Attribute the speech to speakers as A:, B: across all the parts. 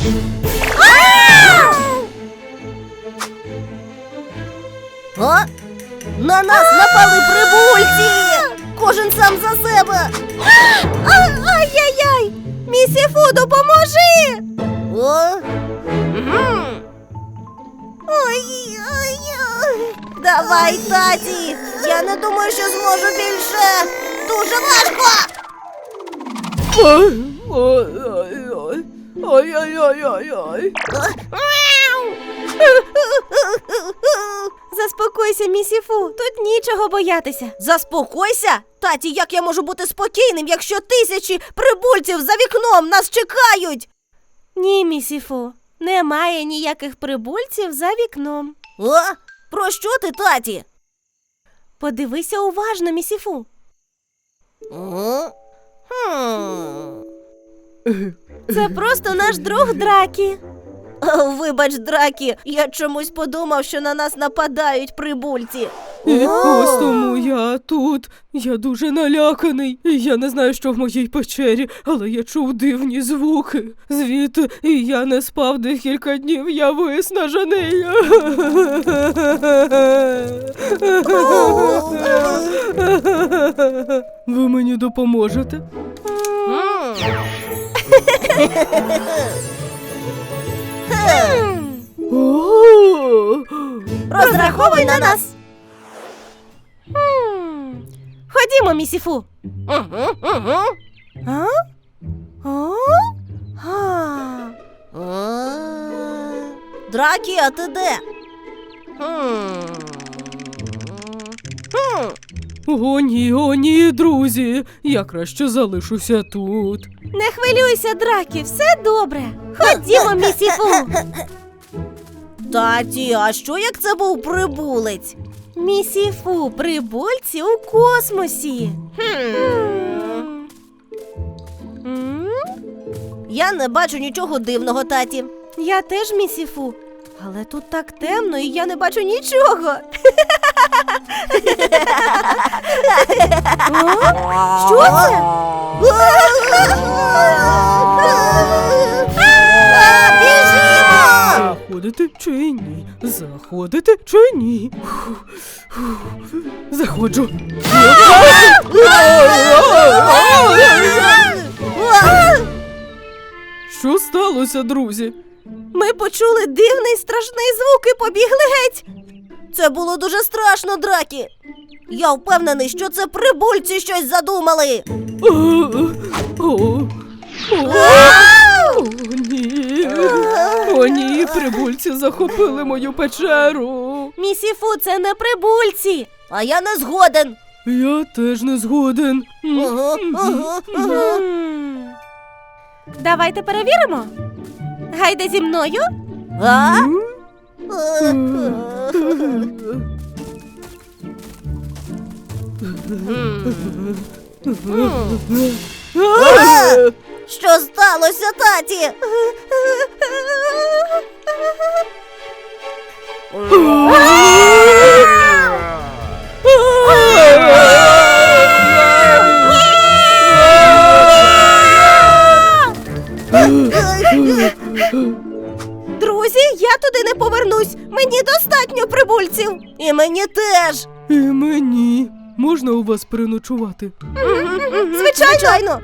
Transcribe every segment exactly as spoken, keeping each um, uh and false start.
A: А? На нас напали прибульці! Кожен сам за себе!
B: Ай-яй-яй! Місіфу, допоможи!
A: О? Ой-ой-ой! Давай, таті! Я не думаю, що зможу більше! Дуже важко!
C: Ой-ой-ой! Ой-ой-ой-ой-ой!
B: Заспокойся, місіфу, тут нічого боятися.
A: Заспокойся! Таті, як я можу бути спокійним, якщо тисячі прибульців за вікном нас чекають?
B: Ні, місіфу, немає ніяких прибульців за вікном.
A: О? Про що ти, таті?
B: Подивися уважно, місіфу.
A: О? Хм...
B: Це просто наш друг Дракі.
A: Вибач, Дракі, я чомусь подумав, що на нас нападають прибульці.
C: І ось тому я тут. Я дуже наляканий. Я не знаю, що в моїй печері, але я чув дивні звуки. Звідти, і я не спав декілька днів, я виснажений. Ви мені допоможете? О!
A: Розраховуй на нас!
B: Хм. Ходімо, місіфу.
A: Угу, угу.
B: А? О? А.
A: А. Дракі, а ти де? Хм. Хм.
C: О, ні, о, ні, друзі. Я краще залишуся тут.
B: Не хвилюйся, Дракі, все добре. Ходімо, місіфу.
A: Таті, а що як це був прибулець?
B: Місіфу, прибульці у космосі.
A: Хм.
B: М?
A: Я не бачу нічого дивного, таті.
B: Я теж, місіфу. Але тут так темно, і я не бачу нічого. О? Що це?
A: Біжимо!
C: Заходити чи ні? Заходити чи ні? Фух, фух. Заходжу. Що сталося, друзі?
B: Ми почули дивний страшний звук і побігли геть.
A: Це було дуже страшно, Дракі. Я впевнений, що це прибульці щось задумали.
C: О, о, о, о, ні. О, ні, прибульці захопили мою печеру.
B: Місіфу, це не прибульці.
A: А я не згоден.
C: Я теж не згоден.
A: Ага, ага, ага.
B: М. Давайте перевіримо. Гайде зі мною.
A: А? А! Що сталося, таті?
B: Друзі, я туди не повернусь. Мені достатньо прибульців.
A: І мені теж.
C: І мені. Можна у вас переночувати?
B: Звичайно.
A: Звичайно.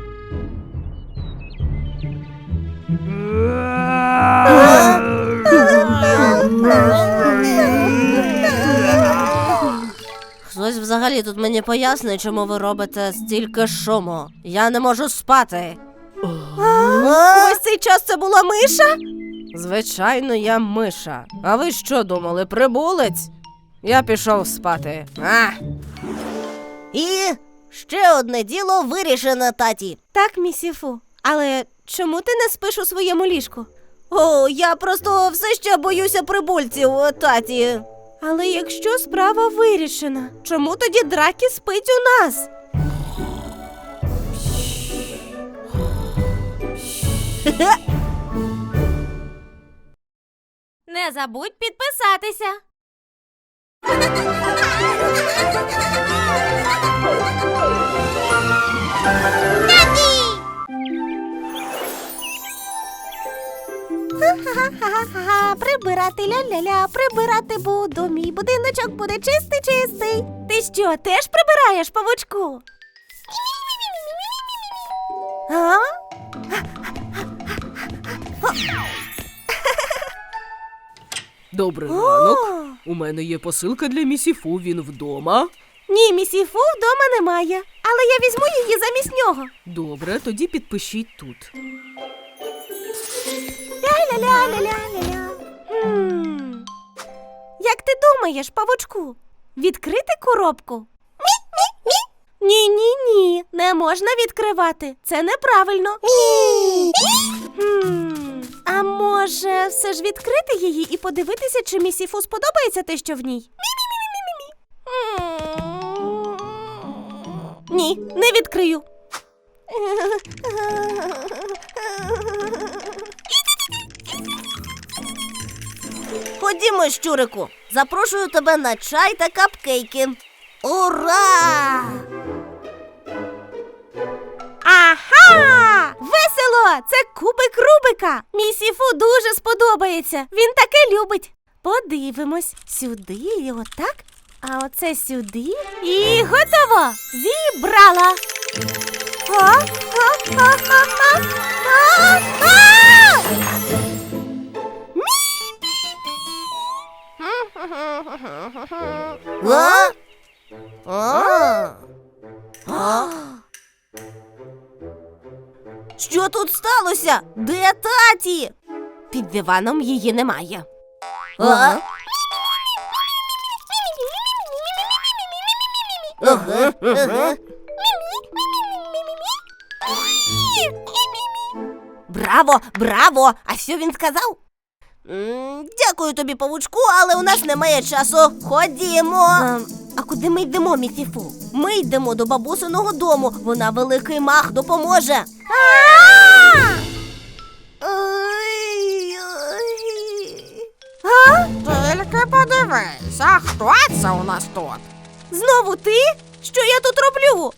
A: Хтось взагалі тут мені пояснить, чому ви робите стільки шуму. Я не можу спати.
B: Ось цей час це була миша?
D: Звичайно, я миша. А ви що думали, прибулець? Я пішов спати. А!
A: І ще одне діло вирішено, таті.
B: Так, місіфу. Але чому ти не спиш у своєму ліжку?
A: О, я просто все ще боюся прибульців, таті.
B: Але якщо справа вирішена, чому тоді Дракі спить у нас? Не забудь підписатися.
A: Ха-ха-ха-ха, прибирати ля-ля-ля, прибирати буду, мій будиночок буде чистий-чистий.
B: Ти що, теж прибираєш, павучку?
A: А?
C: Добрий ранок. У мене є посилка для місіфу, він вдома.
B: Ні, місіфу вдома немає, але я візьму її замість нього.
C: Добре, тоді підпишіть тут.
A: Ля-ля-ля-ля-ля-ля.
B: Хм. Як ти думаєш, павучку, відкрити коробку? Ні-ні-ні, не можна відкривати. Це неправильно. Хм. А може, все ж відкрити її і подивитися, чи місіфу сподобається те, що в ній? Ні, не відкрию.
A: Ходімо, щурику, запрошую тебе на чай та капкейки. Ура!
B: Ага! Весело! Це кубик Рубика! Місіфу дуже сподобається. Він таке любить. Подивимось. Сюди і отак. А оце сюди. І готово! Зібрала! А? А? А? А? А? А?
A: А? А? А? Що тут сталося? Де таті?
B: Під диваном її немає.
A: А? Ага, ага. Браво, браво! А що він сказав? М, Дякую тобі, павучку, але у нас немає часу. Ходімо.
B: А, а куди ми йдемо, місіфу?
A: Ми йдемо до бабусиного дому. Вона великий мах допоможе. Ой, ой.
D: Тільки подивись, а хто це у нас тут?
B: Знову ти? Що я тут роблю?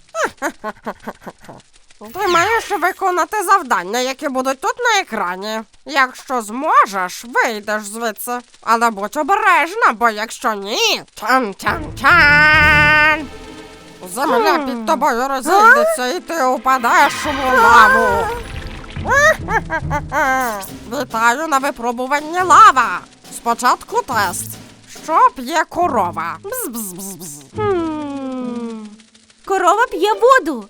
D: Ти маєш виконати завдання, які будуть тут на екрані. Якщо зможеш, вийдеш звідси. Але будь обережна, бо якщо ні, тян-тян-тян! Земля під тобою розійдеться і ти упадеш у лаву. Вітаю на випробуванні лава. Спочатку тест. Що п'є корова? Бз-бз-бз-бз.
B: Хм. Корова п'є воду.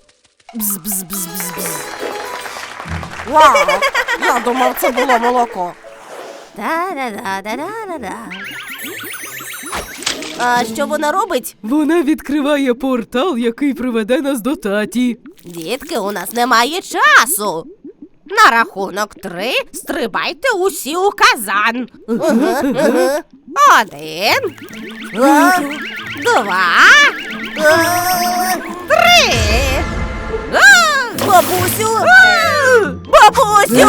D: Вау! Я думав, це було молоко.
A: Да-да-да-да-да-да. А що вона робить?
C: Вона відкриває портал, який приведе нас до таті.
A: Дітки, у нас немає часу.
B: На рахунок три стрибайте усі у казан. Один,
A: А?
B: два,
A: А?
B: три.
A: Бабусю! Бабусю!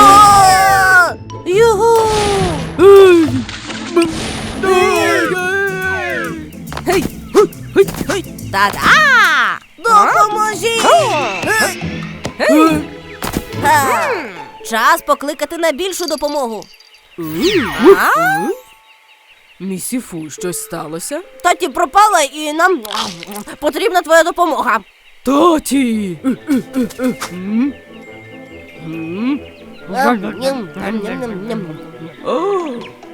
A: Югу!
C: Ей! М- Ей!
B: Гей, гу, гей, гей. Та-да!
A: Допоможіть!
C: Е?
A: Га. Час покликати на більшу допомогу.
C: Е? Місіфу, щось сталося?
A: Таті пропала і нам потрібна твоя допомога.
C: Таті! Е, е, е, е. М? М?
A: Ням-ням-ням-ням-ням.
C: О!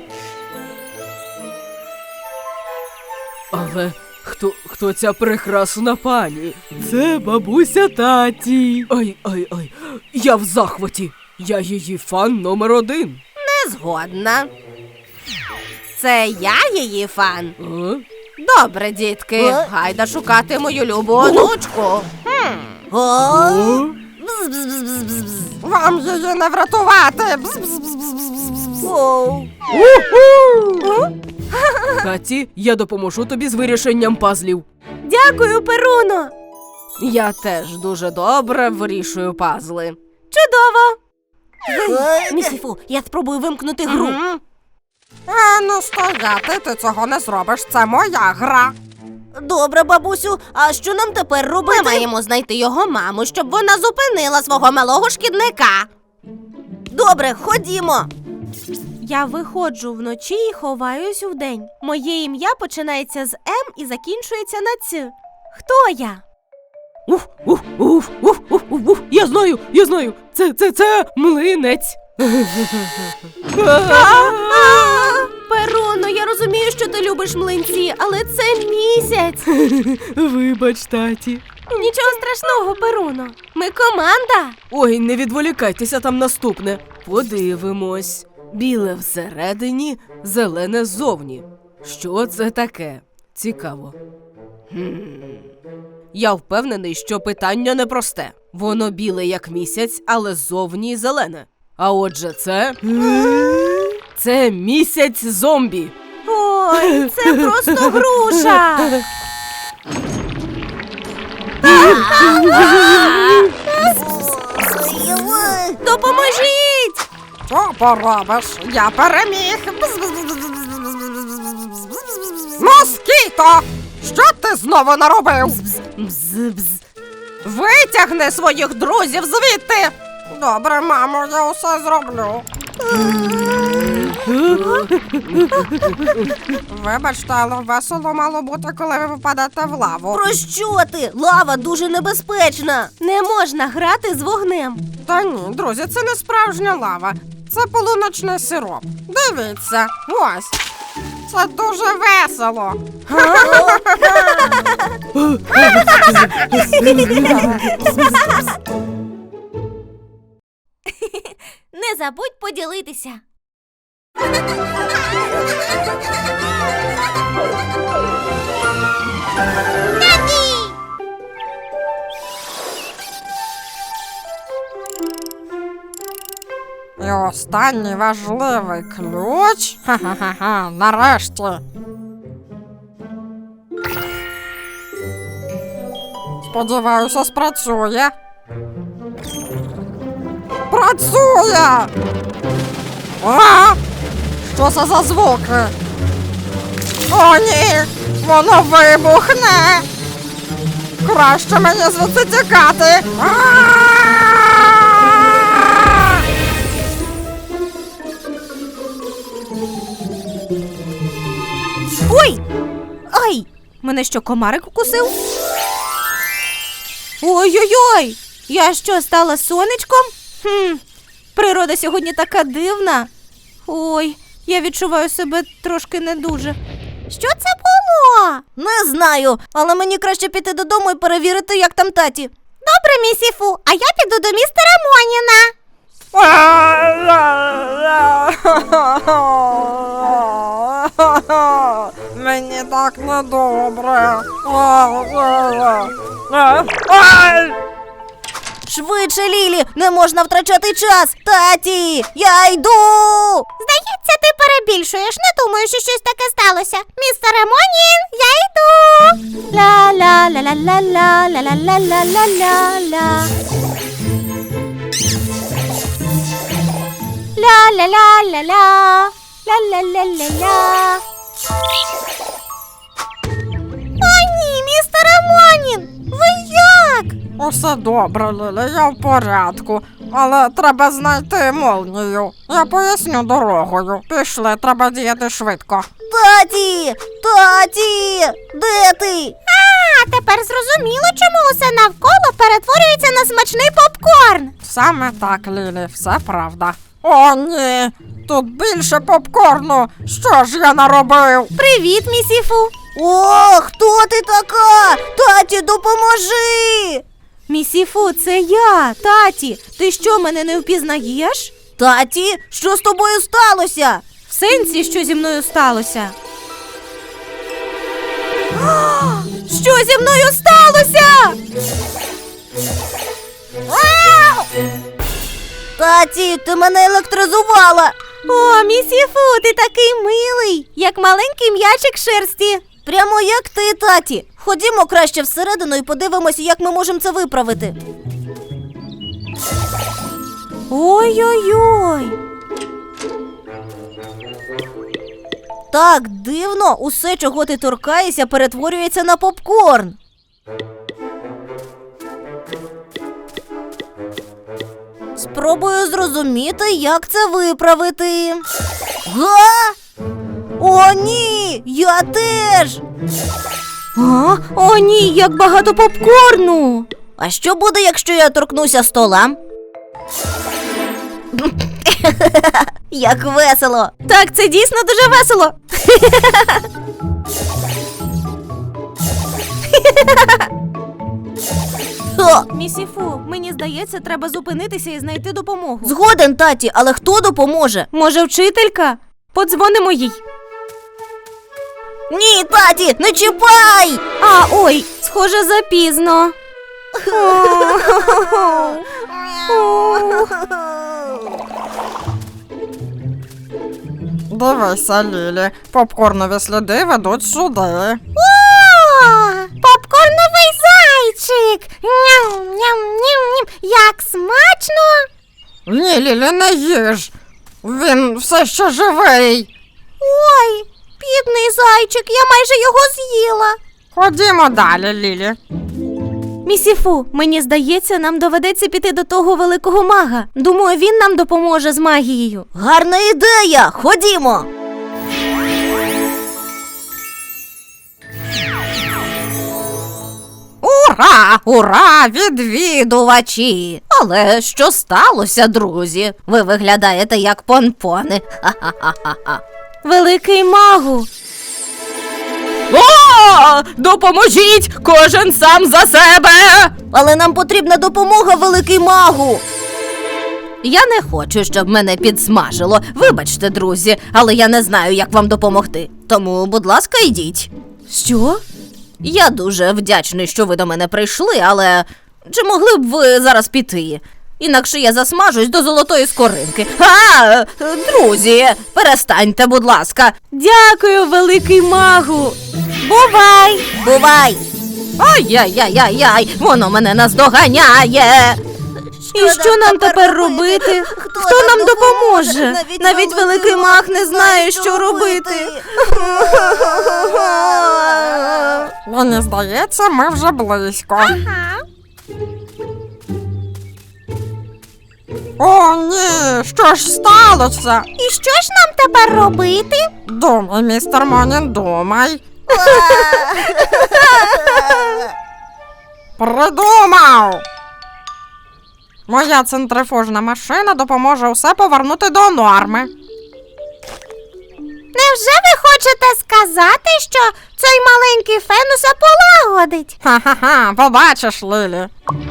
C: Але хто, хто ця прекрасна пані? Це бабуся таті. Ай, ай, ай. Я в захваті. Я її фан номер один.
A: Не згодна. Це я її фан.
C: А?
B: Добре, дітки,
A: Е?
B: гайда шукати мою любу онучку.
A: О!
C: О?
A: Бз-бз-бз-бз-бз.
D: Вам її не врятувати. Бз-бз-бз-бз-бз-бз.
A: Оу.
C: Таті, я допоможу тобі з вирішенням пазлів.
B: Дякую, Перуно.
D: Я теж дуже добре вирішую пазли.
B: Чудово.
A: Ой.
B: Місіфу, я спробую вимкнути гру.
D: Мгм. А ну стояти, ти цього не зробиш, це моя гра.
A: Добре, бабусю, а що нам тепер
B: Ми
A: робити?
B: маємо знайти його маму, щоб вона зупинила свого малого шкідника.
A: Добре, ходімо.
B: Я виходжу вночі і ховаюсь вдень. Моє ім'я починається з М і закінчується на Ц. Хто я?
C: Уф, уф, уф, уф, уф, уф, уф. Я знаю, я знаю. Це, це, це млинець.
B: Перуно, я розумію, що ти любиш млинці, але це місяць.
C: Вибач, таті.
B: Нічого страшного, Перуно. Ми команда.
C: Ой, не відволікайтеся, там наступне. Подивимось. Біле всередині, зелене ззовні. Що це таке? Цікаво. Хм. Я впевнений, що питання непросте. Воно біле, як місяць, але ззовні зелене. А отже, це... Це місяць зомбі.
B: Ой, це просто груша. Допоможіть!
D: Що поробиш? Я переміг. Москіто! Що ти знову наробив?
C: Бз-бз.
D: Витягни своїх друзів звідти! Добре, мамо, я усе зроблю. Вибачте, але весело мало бути, коли ви впадете в лаву.
A: Про що ти? Лава дуже небезпечна.
B: Не можна грати з вогнем.
D: Та ні, друзі, це не справжня лава. Це полуночний сироп. Дивіться, ось. Це дуже весело.
B: Не забудь поділитися.
D: І останній важливий ключ. Ха-ха-ха, нарешті. Сподіваюся, спрацює. Працює! А? Що це за звуки? О, ні! Воно вибухне! Краще мені звідси тікати! А-а-а!
B: Ой! Ай! Мене що, комарик укусив? Ой-ой-ой! Я що, стала сонечком? Хм, природа сьогодні така дивна. Ой, я відчуваю себе трошки не дуже. Що це було?
A: Не знаю, але мені краще піти додому і перевірити, як там таті.
B: Добре, місіфу, а я піду до містера Моніна.
D: Мені так недобре.
A: Швидше, Лілі, не можна втрачати час. Таті, я йду.
B: Здається, ти перебільшуєш. Не думаю, що щось таке сталося. Містере Монін, я йду. Ла-ла-ла-ла-ла-ла, ла-ла-ла-ла-ла-ла. Ла-ла-ла-ла-ла, ла-ла-ла-ла-ла. О, ні, містере Монін, ви як?
D: Усе добре, Лілі, я в порядку. Але треба знайти молнію. Я поясню дорогою. Пішли, треба діяти швидко.
A: Таті, таті, де ти?
B: А, тепер зрозуміло, чому усе навколо перетворюється на смачний попкорн.
D: Саме так, Лілі, все правда. О, ні! Тут більше попкорну! Що ж я наробив?
B: Привіт, місіфу.
A: О, хто ти така? Таті, допоможи.
B: Місіфу, це я, таті. Ти що, мене не впізнаєш?
A: Таті, що з тобою сталося?
B: В сенсі, що зі мною сталося? Що зі мною сталося?
A: Таті, ти мене електризувала.
B: О, місіфу, ти такий милий, як маленький м'ячик шерсті.
A: Прямо як ти, таті. Ходімо краще всередину і подивимося, як ми можемо це виправити.
B: Ой-ой-ой.
A: Так дивно, усе, чого ти торкаєшся, перетворюється на попкорн. Спробую зрозуміти, як це виправити. Га? О, ні! Я теж!
B: А? О, ні, як багато попкорну.
A: А що буде, якщо я торкнуся стола? Як весело!
B: Так, це дійсно дуже весело.
A: О,
B: Місіфу, мені здається, треба зупинитися і знайти допомогу.
A: згоден, таті, але хто допоможе?
B: Може, вчителька? Подзвонимо їй.
A: Ні, таті, не чіпай!
B: А, ой, схоже, запізно.
D: Дивися, Лілі, попкорнові сліди ведуть сюди.
B: Попкорновий зайчик! Ням-ням-ням-ням! Як смачно!
D: Ні, Лілі, не їж. Він все ще живий.
B: Ой, бідний зайчик, я майже його з'їла.
D: Ходімо далі, Лілі.
B: Місіфу, мені здається, нам доведеться піти до того великого мага. Думаю, він нам допоможе з магією.
A: Гарна ідея! Ходімо!
E: Ура! Ура! Відвідувачі! Але що сталося, друзі? Ви виглядаєте як понпони. Ха-ха-ха-ха.
B: Великий магу.
C: О! Допоможіть! Кожен сам за себе!
A: Але нам потрібна допомога, великий магу!
E: Я не хочу, щоб мене підсмажило. Вибачте, друзі, але я не знаю, як вам допомогти. Тому, будь ласка, йдіть.
B: Що?
E: Я дуже вдячний, що ви до мене прийшли, але чи могли б ви зараз піти? Інакше я засмажусь до золотої скоринки. А, друзі, перестаньте, будь ласка.
B: Дякую, великий магу. Бувай!
A: Бувай!
E: Ай-яй-яй-яй, воно мене наздоганяє.
B: І що нам тепер робити? Хто нам допоможе? Навіть великий маг не знає, що робити.
D: Мені здається, ми вже близько. О, ні, що ж сталося?
B: І що ж нам тепер робити?
D: Думай, містер Монін, думай. Придумав! Моя центрифужна машина допоможе усе повернути до норми.
B: Невже ви хочете сказати, що цей маленький фен усе полагодить?
D: Ха-ха-ха, побачиш, Лілі.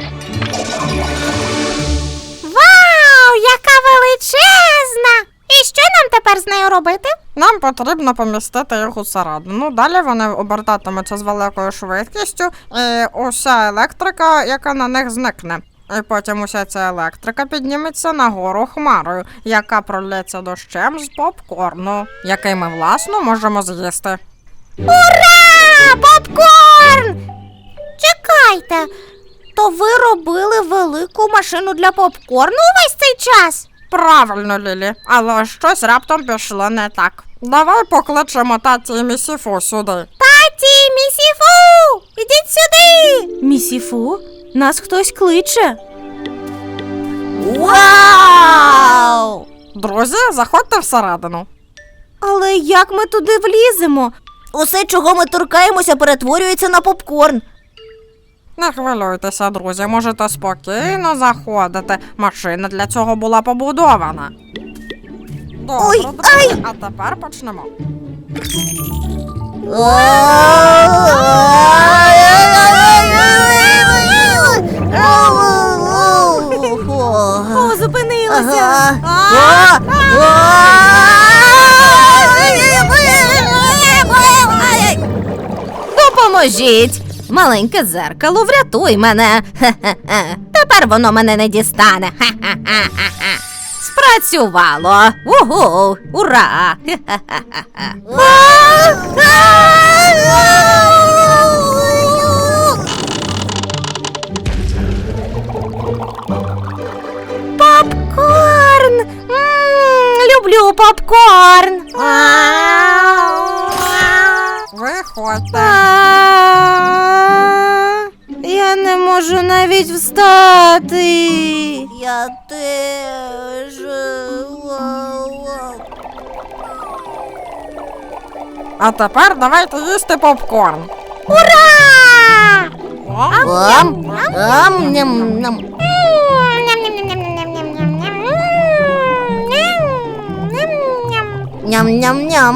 B: Вау, яка величезна! І що нам тепер з нею робити?
D: Нам потрібно помістити їх усередину. Далі вони обертатимуться з великою швидкістю, і уся електрика, яка на них зникне. І потім уся ця електрика підніметься нагору хмарою, яка пролється дощем з попкорну, який ми, власно, можемо з'їсти.
B: Ура! Попкорн! Чекайте, то ви робили велику машину для попкорну увесь цей час?
D: Правильно, Лілі, але щось раптом пішло не так. Давай покличемо таті і місіфу сюди.
B: Таті, місіфу! Ідіть сюди! Місіфу? Нас хтось кличе.
A: Вау!
D: Друзі, заходьте всередину.
B: Але як ми туди вліземо?
A: Усе, чого ми торкаємося, перетворюється на попкорн.
D: Не хвилюйтеся, друзі, можете спокійно заходити. Машина для цього була побудована. Добре,
A: Ой,
D: друзі,
A: ай!
D: а тепер почнемо.
B: О, зупинилися.
A: Ага. А!
E: Допоможіть! Маленьке зеркало, врятуй мене. Хе-хе-хе. Тепер воно мене не дістане. Ха-ха-ха-ха. Спрацювало. Угу! Ура! Хе-хе-хе-хе.
B: Попкорн! М, люблю попкорн.
D: Виходьте.
B: А, Я не можу можу навіть встати.
A: Я теж.
D: А тепер давайте їсти попкорн.
B: Ура!
A: Ам, ам, ням, ням. Ням-ням-ням.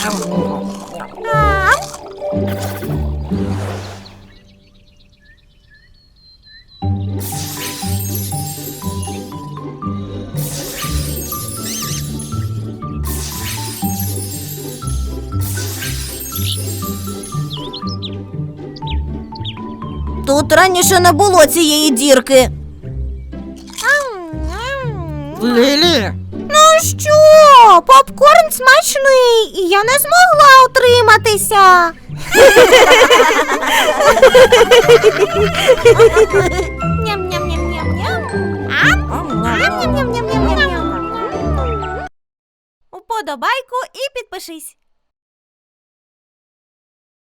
A: Тут раніше не було цієї дірки.
D: Лілі,
B: Ну що, попкорн смачний, і я не змогла утриматися. Ням-ням-ням-ням-ням. Ням-ням-ням-ням-ням. Уподобайку і підпишись.